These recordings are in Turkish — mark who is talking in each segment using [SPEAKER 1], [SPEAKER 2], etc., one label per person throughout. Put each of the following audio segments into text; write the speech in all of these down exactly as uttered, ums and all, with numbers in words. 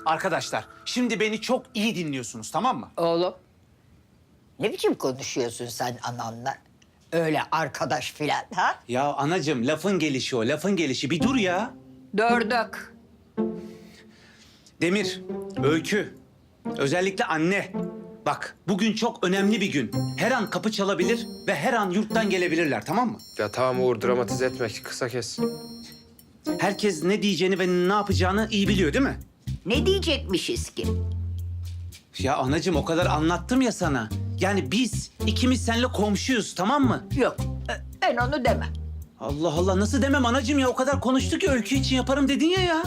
[SPEAKER 1] Arkadaşlar, şimdi beni çok iyi dinliyorsunuz, tamam mı?
[SPEAKER 2] Oğlum, ne biçim konuşuyorsun sen ananla? Öyle arkadaş filan ha?
[SPEAKER 1] Ya anacığım, lafın gelişi o, lafın gelişi. Bir dur ya.
[SPEAKER 2] Dördük.
[SPEAKER 1] Demir, Öykü, özellikle anne. Bak, bugün çok önemli bir gün. Her an kapı çalabilir ve her an yurttan gelebilirler, tamam mı?
[SPEAKER 3] Ya tamam Uğur, dramatize etme. Kısa kes.
[SPEAKER 1] Herkes ne diyeceğini ve ne yapacağını iyi biliyor, değil mi?
[SPEAKER 2] Ne diyecekmişiz ki?
[SPEAKER 1] Ya anacığım, o kadar anlattım ya sana. Yani biz ikimiz seninle komşuyuz, tamam mı?
[SPEAKER 2] Yok, e, ben onu demem.
[SPEAKER 1] Allah Allah, nasıl demem anacığım ya? O kadar konuştuk ki Öykü için yaparım dedin ya ya.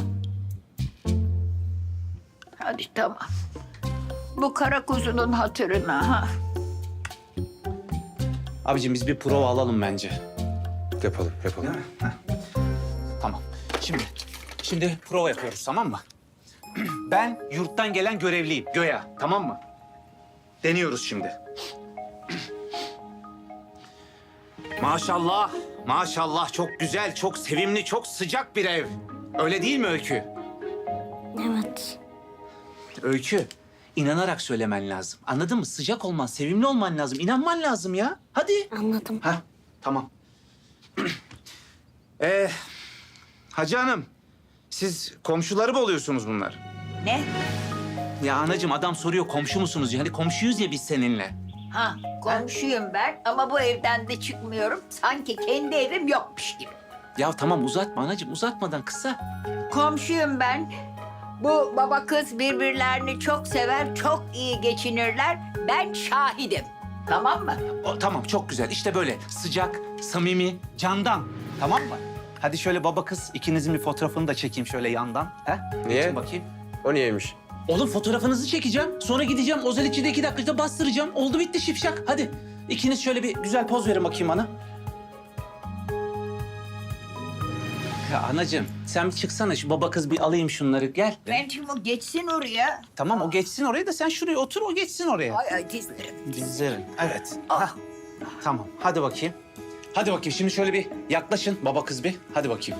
[SPEAKER 2] Hadi tamam. Bu kara kuzunun hatırına ha.
[SPEAKER 1] Abicim biz bir prova alalım bence.
[SPEAKER 3] Yapalım, yapalım.
[SPEAKER 1] Tamam. Şimdi, şimdi prova yapıyoruz, tamam mı? Ben yurttan gelen görevliyim, Göya, tamam mı? Deniyoruz şimdi. Maşallah, maşallah çok güzel, çok sevimli, çok sıcak bir ev. Öyle değil mi Öykü?
[SPEAKER 4] Evet.
[SPEAKER 1] Öykü, inanarak söylemen lazım. Anladın mı? Sıcak olman, sevimli olman lazım. İnanman lazım ya. Hadi.
[SPEAKER 4] Anladım.
[SPEAKER 1] Ha, tamam. ee, Hacı Hanım, siz komşuları mı oluyorsunuz bunlar?
[SPEAKER 2] Ne?
[SPEAKER 1] Ya anacığım, adam soruyor komşu musunuz? Yani komşuyuz ya biz seninle.
[SPEAKER 2] Ha, komşuyum ben ama bu evden de çıkmıyorum. Sanki kendi evim yokmuş gibi.
[SPEAKER 1] Ya tamam, uzatma anacığım, uzatmadan kısa.
[SPEAKER 2] Komşuyum ben. Bu baba kız birbirlerini çok sever, çok iyi geçinirler. Ben şahidim. Tamam mı?
[SPEAKER 1] O, tamam, çok güzel. İşte böyle sıcak, samimi, candan. Tamam mı? Hadi şöyle baba kız ikinizin bir fotoğrafını da çekeyim şöyle yandan. He?
[SPEAKER 3] Niye?
[SPEAKER 1] Geçin bakayım.
[SPEAKER 3] O niyeymiş?
[SPEAKER 1] Oğlum fotoğrafınızı çekeceğim. Sonra gideceğim Ozel içinde iki dakikada bastıracağım. Oldu bitti şipşak. Hadi ikiniz şöyle bir güzel poz verin bakayım bana. Ya anacığım sen bir çıksana, şu baba kız bir alayım şunları, gel.
[SPEAKER 2] Ben şimdi o geçsin oraya.
[SPEAKER 1] Tamam, o geçsin oraya da sen şuraya otur, o geçsin oraya.
[SPEAKER 2] Ay ay dizlerim.
[SPEAKER 1] Dizlerin, evet. Hah. Tamam, hadi bakayım. Hadi bakayım, şimdi şöyle bir yaklaşın baba kız bir. Hadi bakayım.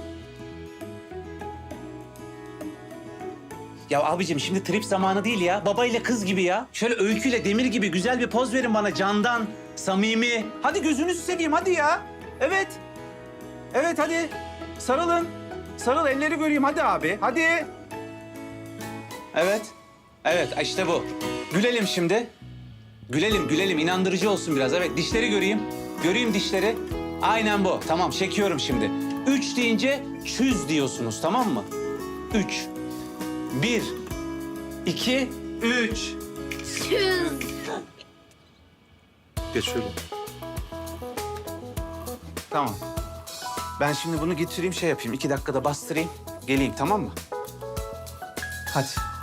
[SPEAKER 1] Ya abicim şimdi trip zamanı değil ya. Baba ile kız gibi ya. Şöyle Öyküyle Demir gibi güzel bir poz verin bana, candan, samimi. Hadi gözünüzü seveyim, hadi ya. Evet. Evet, hadi. Sarılın. Sarıl, elleri göreyim hadi abi. Hadi. Evet. Evet, işte bu. Gülelim şimdi. Gülelim, gülelim. İnandırıcı olsun biraz. Evet, dişleri göreyim. Göreyim dişleri. Aynen bu. Tamam, çekiyorum şimdi. Üç deyince çüz diyorsunuz, tamam mı? Üç. Bir, iki, üç.
[SPEAKER 3] Geç şöyle.
[SPEAKER 1] Tamam. Ben şimdi bunu getireyim, şey yapayım. İki dakikada bastırayım. Geleyim, tamam mı? Hadi.